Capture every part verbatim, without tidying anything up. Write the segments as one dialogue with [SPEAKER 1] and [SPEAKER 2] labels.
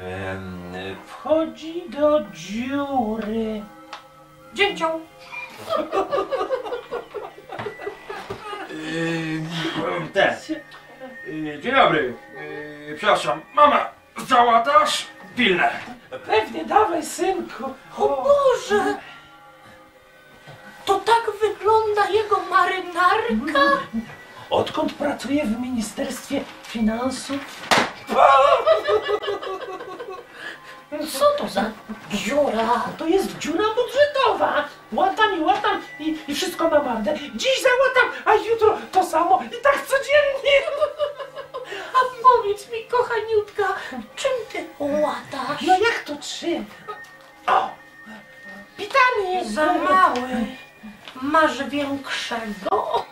[SPEAKER 1] Em, wchodzi do dziury.
[SPEAKER 2] Dzięcioł.
[SPEAKER 1] Yy, ten. Yy, dzień dobry. Yy, przepraszam, mama, załatasz? Pilne.
[SPEAKER 3] Pewnie, dawaj, synku.
[SPEAKER 2] O Boże! To tak wygląda jego marynarka?
[SPEAKER 3] Odkąd pracuje w Ministerstwie Finansów?
[SPEAKER 2] Co to za dziura?
[SPEAKER 3] To jest dziura budżetowa. Łatam i łatam i, i wszystko na marne. Dziś załatam, a jutro to samo i tak codziennie.
[SPEAKER 2] A powiedz mi, kochaniutka, czym ty łatasz?
[SPEAKER 3] No jak to czym? O! Pitany!
[SPEAKER 2] Za mały. Masz większego?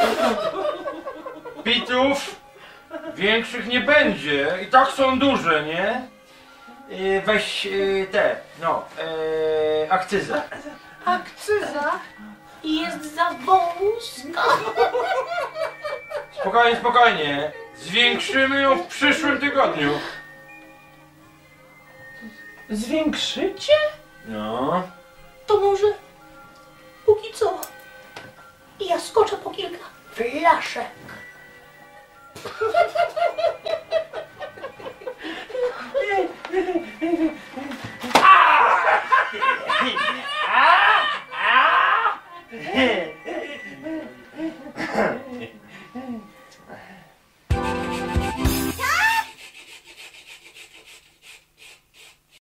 [SPEAKER 1] Pitów większych nie będzie. I tak są duże, nie? Yy, weź yy, te, no, yy, akcyzę.
[SPEAKER 2] Akcyza jest za wąska.
[SPEAKER 1] Spokojnie, spokojnie. Zwiększymy ją w przyszłym tygodniu.
[SPEAKER 3] Zwiększycie?
[SPEAKER 1] No.
[SPEAKER 2] To może póki co ja skoczę po kilka flasze.